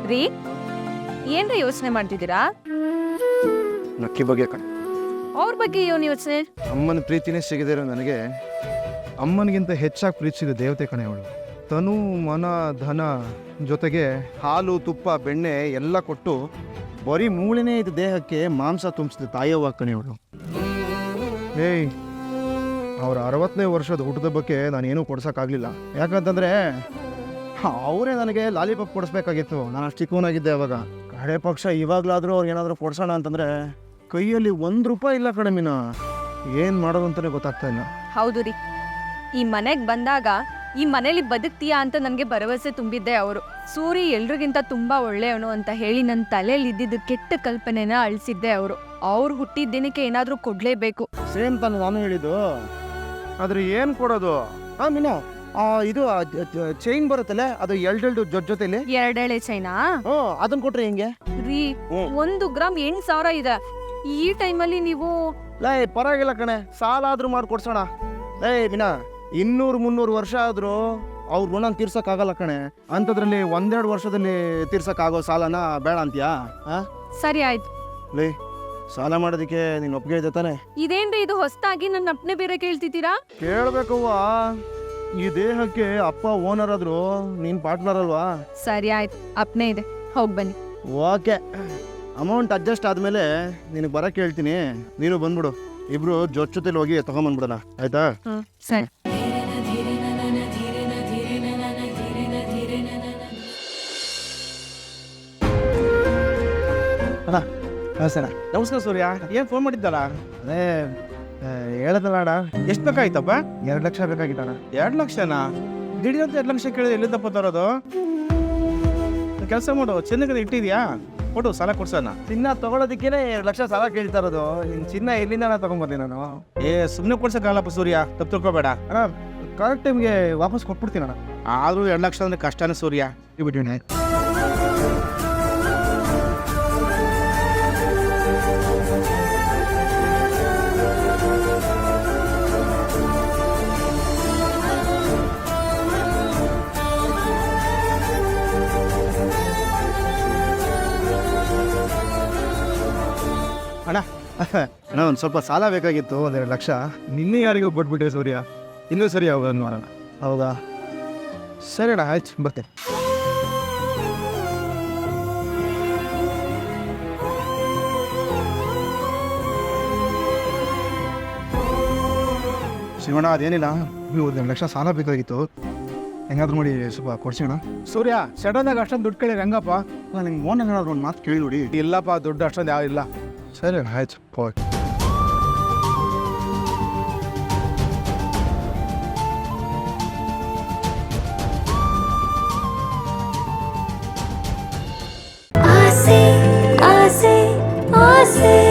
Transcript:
ರೀ ಏನ್ರಿ ಯೋಚನೆ ಮಾಡ್ತಿದ್ದೀರಾ? ನಕ್ಕಿ ಬಗ್ಗೆ ಅವ್ರ ಬಗ್ಗೆ ಏನು ಯೋಚನೆ? ಅಮ್ಮನ ಪ್ರೀತಿನೇ ಸಿಗದಿರೋ ನನಗೆ ಅಮ್ಮನಿಗಿಂತ ಹೆಚ್ಚಾಗಿ ಪ್ರೀತಿಸಿದ ದೇವತೆ ಕಣೆ ಅವಳು. ತನು ಮನ ಧನ ಜೊತೆಗೆ ಹಾಲು ತುಪ್ಪ ಬೆಣ್ಣೆ ಎಲ್ಲ ಕೊಟ್ಟು ಬರೀ ಮೂಳೆನೇ ಇದು ದೇಹಕ್ಕೆ ಮಾಂಸ ತುಂಬಿಸಿದ ತಾಯವ್ವ ಕಣೆ ಅವಳು. ಏಯ್, ಅವ್ರ 60ನೇ ವರ್ಷದ ಹುಟ್ಟುಹಬ್ಬಕ್ಕೆ ನಾನೇನೂ ಕೊಡ್ಸೋಕ್ಕಾಗಲಿಲ್ಲ. ಯಾಕಂತಂದರೆ ಅವರೇ ನನಗೆ ಲಾಲಿಪಾಪ್ ಕೊಡಿಸ್ಬೇಕಾಗಿತ್ತು. ನಾನು ಅಷ್ಟು ಚಿಕ್ಕವನಾಗಿದ್ದೆ ಅವಾಗ. ಕಡೆ ಪಕ್ಷ ಇವಾಗಲಾದರೂ ಅವ್ರು ಏನಾದರೂ ಕೊಡ್ಸೋಣ ಅಂತಂದರೆ ಕೈಯಲ್ಲಿ ₹1 ಇಲ್ಲ ಕಣೆ ಮೀನಾ. ಏನು ಮಾಡೋದು ಅಂತಲೇ ಗೊತ್ತಾಗ್ತಾ ಇಲ್ಲ. ಹೌದು ರೀ, ಈ ಮನೆಗೆ ಬಂದಾಗ ಈ ಮನೇಲಿ ಬದುಕ್ತೀಯಾ ಅಂತ ನನಗೆ ಭರವಸೆ ತುಂಬಿದ್ದೆ ಅವರು. ಸೂರಿ ಎಲ್ರಿಗಿಂತ ತುಂಬಾ ಒಳ್ಳೆಯವನು ಅಂತ ಹೇಳಿ ನನ್ನ ತಲೆಯಲ್ಲಿ ಇದ್ದಿದ್ದು ಕೆಟ್ಟ ಕಲ್ಪನೆನ ಅಳಿಸಿದ್ದೆ ಅವರು. ಅವ್ರು ಹುಟ್ಟಿದ ದಿನಕ್ಕೆ ಏನಾದರೂ ಕೊಡಲೇಬೇಕು. ಸೇಮ್ ತಾನು ನಾನು ಹೇಳಿದ್ದು. ಆದರೆ ಏನು ಕೊಡೋದು? ಮೀನಾ, ಇದು ಚೈನ್ ಬರುತ್ತಲ್ಲ, ಅದು ಎಲ್ಡೆಲ್ಡು ಜೊತೆಲಿ 2 ಎಳೆ ಚೈನಾ? ಅದನ್ನ ಕೊಟ್ರೆ ಹೆಂಗೆ ರೀ? 1 ಗ್ರಾಮ್ 8,000 ಇದೆ. ಈ ಟೈಮಲ್ಲಿ ನೀವು ಪರವಾಗಿಲ್ಲ ಕಣೆ, ಸಾಲ ಆದ್ರೂ ಮಾಡ್ಕೊಡ್ಸೋಣ. ಮೀನಾ, 200-300 ವರ್ಷ ಆದ್ರೂ ಅವ್ರ ಋಣ ತೀರ್ಸಕ್ಕಾಗಲ್ಲ ಕಣೆ. ಅಂಥದ್ರಲ್ಲಿ 1-2 ವರ್ಷದಲ್ಲಿ ತೀರ್ಸಕ್ಕಾಗೋ ಸಾಲನ ಬೇಡ ಅಂತೀಯಾ? ಸರಿ ಆಯ್ತು. ಸಾಲ ಮಾಡೋದಕ್ಕೆ ನೀನು ಒಪ್ಪಿಗೆ ಇದೆ ತಾನೆ? ಇದೇನ್ರಿ ಇದು ಹೊಸದಾಗಿ ನನ್ನ ಅಪ್ಪನೆ ಬೇರೆ ಕೇಳ್ತಿದ್ದೀರಾ? ಕೇಳ್ಬೇಕವ್ವ, ಈ ದೇಹಕ್ಕೆ ಅಪ್ಪ ಓನರ್ ಆದ್ರು ನೀನ್ ಪಾರ್ಟ್ನರ್ ಅಲ್ವಾ? ಸರಿ ಆಯ್ತು, ಅಪ್ಪನೇ ಇದೆ, ಹೋಗಿ ಬನ್ನಿ. ಓಕೆ, ಅಮೌಂಟ್ ಅಡ್ಜಸ್ಟ್ ಆದ್ಮೇಲೆ ನಿನಗೆ ಬರಕ್ಕೆ ಹೇಳ್ತೀನಿ, ನೀನು ಬಂದ್ಬಿಡು. ಇಬ್ರು ಜೊತೆಲಿ ಹೋಗಿ ತಗೊಂಬಂದ್ಬಿಡೋಣ, ಆಯ್ತಾ? ಸರಿ. ಅಣ್ಣ ಸರ. ನಮಸ್ಕಾರ ಸೂರ್ಯ, ಏನು ಫೋನ್ ಮಾಡಿದ್ದಲ್ಲ? ಅದೇ ಹೇಳದಲ್ಲ ಅಣ್ಣ, ಎಷ್ಟು ಬೇಕಾಯ್ತಪ್ಪ? 2 ಲಕ್ಷ ಬೇಕಾಗಿತ್ತಣ್ಣ. 2 ಲಕ್ಷನಾ? ದಿಢೀರಂತ 2 ಲಕ್ಷ ಕೇಳಿದ್ರೆ ಎಲ್ಲಿಂದಪ್ಪ ತರೋದು? ಕೆಲಸ ಮಾಡು, ಚಿನ್ನಕ್ಕೆ ಇಟ್ಟಿದ್ಯಾ, ಕೊಡು, ಸಾಲ ಕೊಡ್ಸೋಣ. ಚಿನ್ನ ತಗೊಳೋದಕ್ಕೇನೆ 2 ಲಕ್ಷ ಸಾಲ ಕೇಳ್ತಾ ಇರೋದು. ನಿನ್ನ ಚಿನ್ನ ಎಲ್ಲಿಂದ ತಗೊಂಬರ್ತೀನಿ ನಾನು? ಸುಮ್ಮನೆ ಕೊಡ್ಸೋಕ್ಕಾಗಲ್ಲಪ್ಪ ಸೂರ್ಯ, ತಪ್ಪು ತಿಳ್ಕೊಬೇಡ. ಅಣ್ಣ, ಕರೆಕ್ಟ್ ಟೈಮ್ಗೆ ವಾಪಸ್ ಕೊಟ್ಬಿಡ್ತೀನಿ ಅಣ್ಣ. ಆದರೂ 2 ಲಕ್ಷ ಅಂದರೆ ಕಷ್ಟನೇ ಸೂರ್ಯ. ಬಿಟ್ಟಿನಿ. ಅಣ್ಣ ಅಣ್ಣ, ಒಂದು ಸ್ವಲ್ಪ ಸಾಲ ಬೇಕಾಗಿತ್ತು, 1-2 ಲಕ್ಷ. ನಿನ್ನೆ ಯಾರಿಗೂ ಕೊಟ್ಬಿಟ್ಟೆ ಸೂರ್ಯ. ಇನ್ನೂ ಸರಿ ಹೋಗೋದು ನೋಡೋಣ. ಹೌದಾ? ಸರಿ ಅಣ್ಣ, ಆಯ್ತು, ಬರ್ತೇನೆ. ಶಿವಣ್ಣ, ಅದೇನಿಲ್ಲ, 1 ಲಕ್ಷ ಸಾಲ ಬೇಕಾಗಿತ್ತು. ಹೆಂಗಾದ್ರೂ ಮಾಡಿ ಸ್ವಲ್ಪ ಕೊಡ್ಸೋಣ. ಸೂರ್ಯ, ಸಡನ್ನಾಗಿ ಅಷ್ಟೊಂದು ದುಡ್ಡು ಕೇಳಿ ರಂಗಪ್ಪ? ನಿಮ್ಗೆ ಮೋನ್ ಏನಾದ್ರು ಒಂದು ಮಾತು ಕೇಳಿ ನೋಡಿ. ಇಲ್ಲಪ್ಪ, ದುಡ್ಡು ಅಷ್ಟೊಂದು ಯಾವ ಇಲ್ಲ. ಸರಿ ಅಣ್ಣ, ಆಯ್ತು, ಹೋಗಿ. ಆಸೆ ಆಸೆ ಆಸೆ